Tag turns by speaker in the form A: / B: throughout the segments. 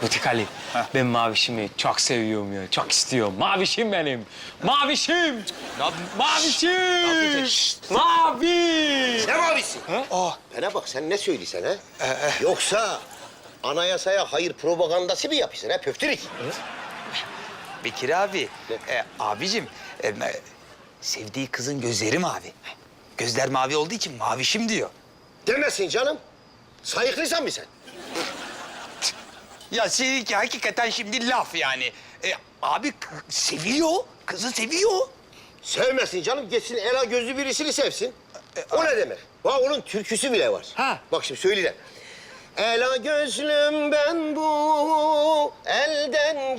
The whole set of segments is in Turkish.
A: Butik Ali, ben Mavişim'i çok seviyorum ya, çok istiyorum. Mavişim benim, Mavişim! Mavişim! Mavi!
B: Ne mavisi? Bana bak sen ne söylesen ha? Yoksa anayasaya hayır propagandası mı yapıyorsun ha pöftürük?
C: Bekir abi, abicim, sevdiği kızın gözleri mavi. Gözler mavi olduğu için mavişim diyor.
B: Demesin canım. Sayıklıysan mı sen?
C: Ya seninki hakikaten şimdi laf yani. Abi seviyor, kızı seviyor.
B: Sevmesin canım. Geçsin ela gözlü birisini sevsin. O ne demek? Bak onun türküsü bile var.
A: Ha.
B: Bak şimdi söyle. Ela gözlüm ben bu elden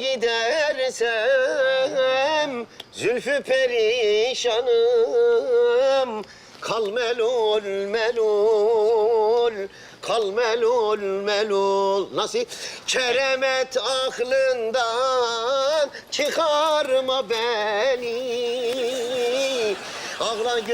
B: gidersem zülfü perişanım kal melul melul kal melul melul. Nasıl? Keremet aklından çıkarma beni. Ağla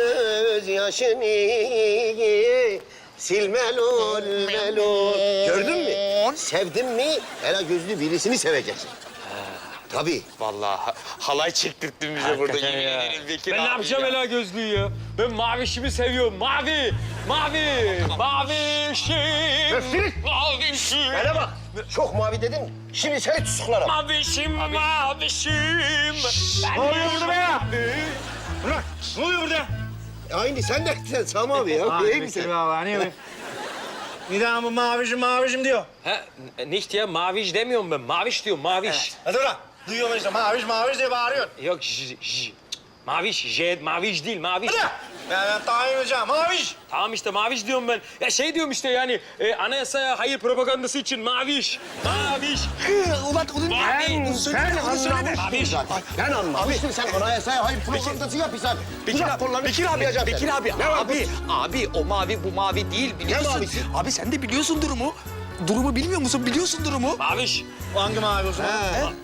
B: gözyaşını sil melul melul. Gördün mü? Sevdin mi ela gözlü birisini seveceksin. Tabii.
C: Vallahi halay çektirttin bize burada.
A: Hakikaten
C: Yemin
A: ya.
C: ederim Bekir
A: Ben
C: abi
A: ne yapacağım
C: ya.
A: ela gözlüğü ya? Ben Mavişim'i seviyorum, mavi! Mavi! Mavişim!
B: Öfkelik!
A: Mavişim!
B: Bana bak. Çok mavi dedim. Şimdi seni tutuklarım.
A: Mavişim, mavişim!
B: Ne oluyor burada be ya? Bırak. Ne oluyor burada? Aynı sen de sen Sami abi ya. İyi misin?
D: Neden bu mavişim diyor.
A: Ha, nicht ya, maviş demiyorum ben, maviş diyorum, maviş.
D: Hadi ulan. Duyuyorum işte maviş diye bağırıyorsun.
A: Yok, maviş, maviş değil, maviş.
D: Hadi. Ben tayin edeceğim. Maviş.
A: Tamam işte maviş diyorum ben. Ya şey diyorum işte yani anayasaya hayır propagandası için maviş. Maviş.
C: Ulan onu söyleme.
A: Maviş.
B: Ben anlamıştım sen anayasaya hayır propagandası yapıyorsan.
C: Bekir abi,
B: Ne var
C: abi o mavi bu mavi değil biliyorsun.
B: mavisi?
C: Abi sen de biliyorsun durumu. Durumu bilmiyor musun? Biliyorsun durumu.
A: Maviş.
D: Hangi mavi o zaman?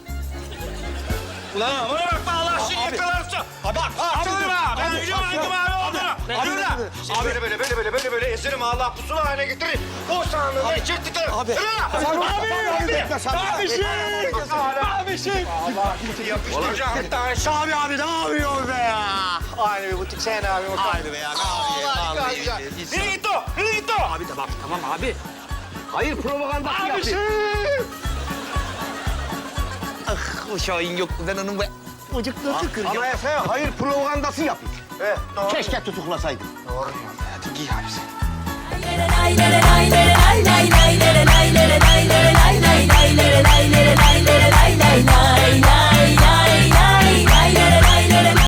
D: Ulan bana bak Allah şimdi yakalarsın. Bak açılırım ha. Ben biliyorum hangi mavi olduğunu. Yürü lan. Abi böyle ezerim Allah pusula haline getirir. O sahnını çektikleri.
C: Abi.
D: Yürü lan.
A: Mavişim. Mavişim.
D: Yapıştıracağım hatta. Şabi abi ne yapıyorsun be ya? Aynı bir butik sen abi.
C: Haydi be ya.
D: Allah aşkına. Nereye gitti o? Nereye gitti o?
C: Abi tamam abi.
B: Hayır propagandası yapıyor.
C: Ah o Şahin yok. Ben onun ucuklarını kıracağım.
B: Anayasaya hayır propagandası yapıyor.
D: Evet, doğru.
B: Keşke tutuklasaydın.
C: Hadi giy abi sen.
E: lay lay lay lay lay lay lay lay lay lay lay lay lay lay lay